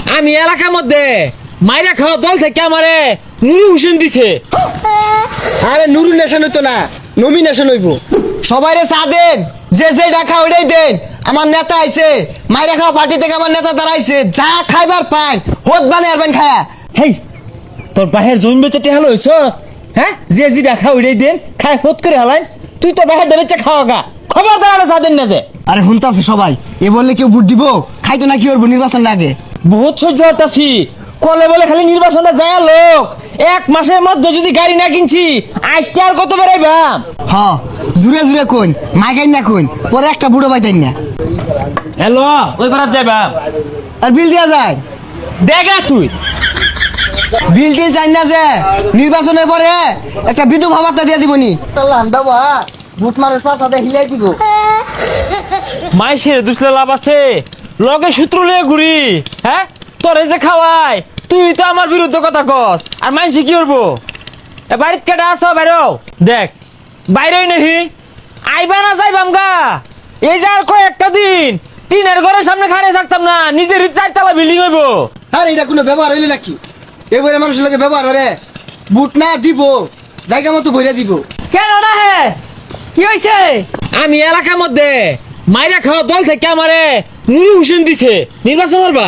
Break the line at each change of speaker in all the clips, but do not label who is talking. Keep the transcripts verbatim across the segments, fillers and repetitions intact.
আমি এলাকার মধ্যে মাইরা খাওয়া দল থেকে আমারে নুরু হোসেন দিছে।
আরে নুরু নেশন হইতো না, নমিনেশন হইব। সবাইরে চা দেন, যে যে ডাকা ওইটাই দেন। আমার নেতা আইছে, মাইরা খাওয়া পার্টি থেকে আমার নেতা দাঁড়াইছে। যা খাইবার পান হোদ বানে আরবেন খায়া।
হেই তোর বাহের জমি বেচে টেহাল হইছস? হ্যাঁ, যে জি ডাকা ওইটাই দেন, খাই ফোট করে হালাইন। তুই তো বাহের বেচে খাওয়া গা, খবর দাঁড়ানো চা দেন না যে।
আরে শুনতাছে সবাই, এ বললে কেউ ভোট দিব? খাইতো না কি করবো নির্বাচন আগে?
বহুত সহ্য হতাছি, কলে বলে খালি নির্বাচনটা যায় লোক। এক মাসের মধ্যে যদি গাড়ি না কিনছি আইটা আর কত বেড়াইবাম।
হ জুড়ে জুড়ে কোন মাইকাই না কোন, পরে একটা বুড়ো পাইতেন না।
হ্যালো, ওই পারাত যাইবাম।
আর বিল দেওয়া যায়?
দেখা তুই
বিল টিল চাই না যে, নির্বাচনের পরে একটা বিধবা ভাতা দিয়ে দিবনি। বাবা ভোট মানুষ পাশাতে হিলাই দিব।
মাইসের দুসলে লাভ আছে, লগে সূত্র লিয়ে ঘুরি। হ্যাঁ, তোরে যে খাওয়াই, তুই তো আমার বিরুদ্ধে কথা কস। আর মাইসে কি করবো? এ বাড়িত কেটা আছো? বাইরো দেখ, বাইরেই নাহি আইবা না যাইবাম গা। এই যে আর কয়েকটা দিন টিনের ঘরের সামনে খাড়িয়ে থাকতাম না, নিজের চারতলা বিল্ডিং হইব।
আরে এটা কোনো ব্যবহার হইলে নাকি? এবারে মানুষের লোকে ব্যবহার করে বুট না দিব, জায়গা মতো বইরা দিব।
কেন না হে, কি হয়েছে? আমি এলাকার মধ্যে মাইরা খাওয়া দল থেকে আমারে নুরু হোসেন দিছে। নির্বাচন করবা?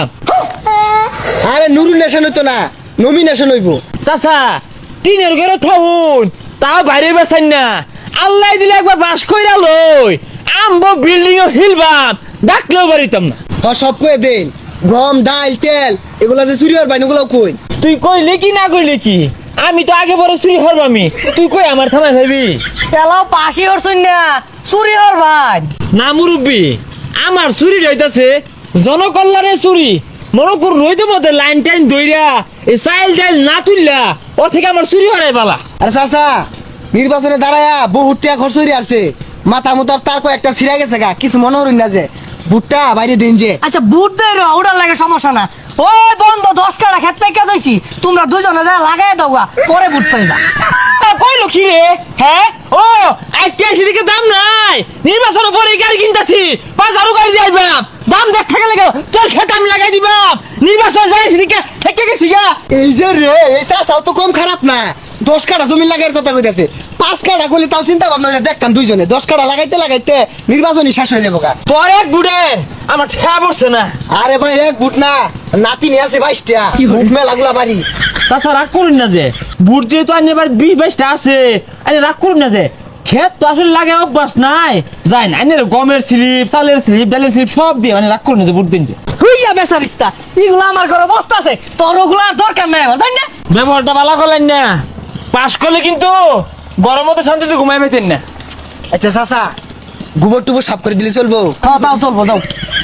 আরে নুরু নেশন হইতো না, নমিনেশন হইব।
চাচা টিনের ঘরে থাকুন, তাও বাইরে বেচান না। আল্লাহ দিলে একবার বাস কইরা লই আমবো বিল্ডিং ও হিলবাম, ডাকলেও বাড়িতাম না।
আর সব কয়ে দেন, গম ডাল তেল এগুলা যে চুরি হওয়ার বাইন ওগুলাও কই।
তুই কইলে কি না কইলে কি, আমি তো আগে বড় চুরি হরবামি। তুই কই আমার থানায় ভাবি
তেলাও পাশি হরছুন না, চুরি হর ভাই।
না মুরব্বী, আমার চুরি রইতাছে জনকল্যাণের চুরি। মনে কর রইতে মধ্যে লাইন টাইন দইরা এই চাইল টাইল না তুললা, ওর থেকে আমার চুরি হরাই বালা।
আরে চাচা নির্বাচনে দাঁড়ায়া বহুত টাকা খরচ হয়ে আসছে, মাথা মতো তার কয়েকটা ছিঁড়া গেছে গা। কিছু মনে হরুন না যে ভুট্টা বাইরে দিন যে।
আচ্ছা বুট দেয় রে, ওটার লাগে সমস্যা না। ওই বন্ধ দশ কাটা খেত পাইকা দইছি, তোমরা দুজনে যা লাগাই দাও গা, পরে বুট পাইবা।
কইলো কি রে? হ্যাঁ, ও একটা দিকে দাম নাই, নির্বাচনের পরে গাড়ি কিনতাছি, পাঁচ হাজার গাড়ি দিয়ে আইবাম। দাম দেখ থাকে লাগে তোর খেত আমি লাগাই দিবাম। নির্বাচন যাই সেদিকে হেঁকে গেছি গা।
এই যে রে, এই চাচাও তো কম খারাপ না। দশ কাটা জমি লাগাইয়ের কথা কইতাছে, পাঁচ কাটা করলে তাও চিন্তা ভাবনা করে দেখতাম দুইজনে। দশ কাটা লাগাইতে লাগাইতে নির্বাচনই শেষ হয়ে যাবো গা।
তোর এক বুড়ে আমার ঠেয়া পড়ছে না।
আরে ভাই এক বুট না, নাতি নিয়ে আছে বাইশটা বুট মে লাগলা বাড়ি।
তাছাড়া রাগ করুন না যে, বুট যেহেতু আনি এবার বিশ বাইশটা আছে, আরে রাগ করুন না যে, ক্ষেত তো আসলে লাগে অভ্যাস নাই। যাই না আনি গমের স্লিপ, চালের স্লিপ, ডালের স্লিপ সব দিয়ে, মানে রাগ করুন না যে বুট দিন যে।
হুইয়া বেচারিস্তা, এগুলো আমার ঘরে বস্তা আছে, তোর ওগুলো আর দরকার নাই আমার, তাই না?
ব্যবহারটা ভালো করলেন না, পাশ করলে কিন্তু গরম মতো শান্তিতে ঘুমাই পেতেন না।
আচ্ছা চাচা গোবর টুবর সাফ করে দিলে চলবো?
হ্যাঁ তাও চলবো, যাও।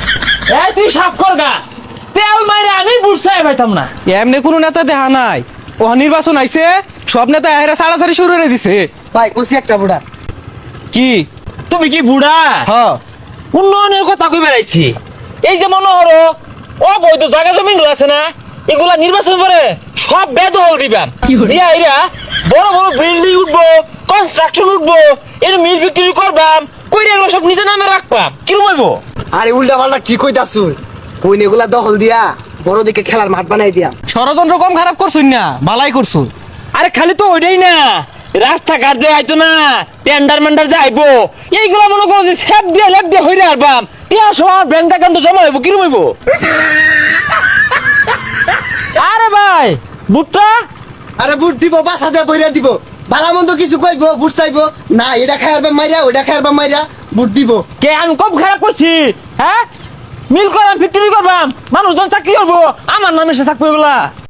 এই তুই সাফ কর গা, তেল মাইরে আমি বুট চাই পাইতাম না।
এমনি কোনো নেতা দেখা নাই, ও নির্বাচন আইছে সব নেতা এরা সাড়াসাড়ি শুরু করে দিছে।
ভাই কইছি একটা বুড়া।
কি
তুমি কি বুড়া?
হ
উন্নয়নের কথা কই বেড়াইছি। এই যে মনে হলো ও বৈধ জায়গা জমিন আছে না, এগুলা নির্বাচন করে সব বেদখল দিবাম। দিয়া এরা বড় বড় বিল্ডিং উঠবো, কনস্ট্রাকশন উঠবো, এর মিল বিক্রি করবাম, কইরা এগুলো সব নিজের নামে রাখবাম। কিরম হইবো?
আরে উল্টা পাল্টা কি কইতাছু? কইন এগুলা দখল দিয়া বড় দিকে খেলার মাঠ বানাই দিয়া।
ষড়যন্ত্র কম খারাপ করছুন না, বালাই করছু।
আরে খালি তো ওইটাই না, রাস্তাঘাট যে আইতো না, টেন্ডার মেন্ডার যে আইবো, এইগুলা মনে করো যে সেপ দিয়ে লেপ দিয়ে হইরে আরবাম। টিয়া সময় ব্যাংক অ্যাকাউন্টে জমা হইব। কিরম হইব? আরে ভাই বুটটা,
আরে বুট দিব, বাসা দিয়ে বইরা দিব। ভালো মন্দ কিছু কইব, বুট চাইবো না, এটা খাইয়ারবা মাইরা ওইটা খাইয়ারবা মাইরা বুট দিব।
কে আমি কম খারাপ করছি? হ্যাঁ, মিল করাম, ফ্যাক্টরি করবাম, মানুষজন চাকরি করবো, আমার নামে সে থাকবো এগুলা।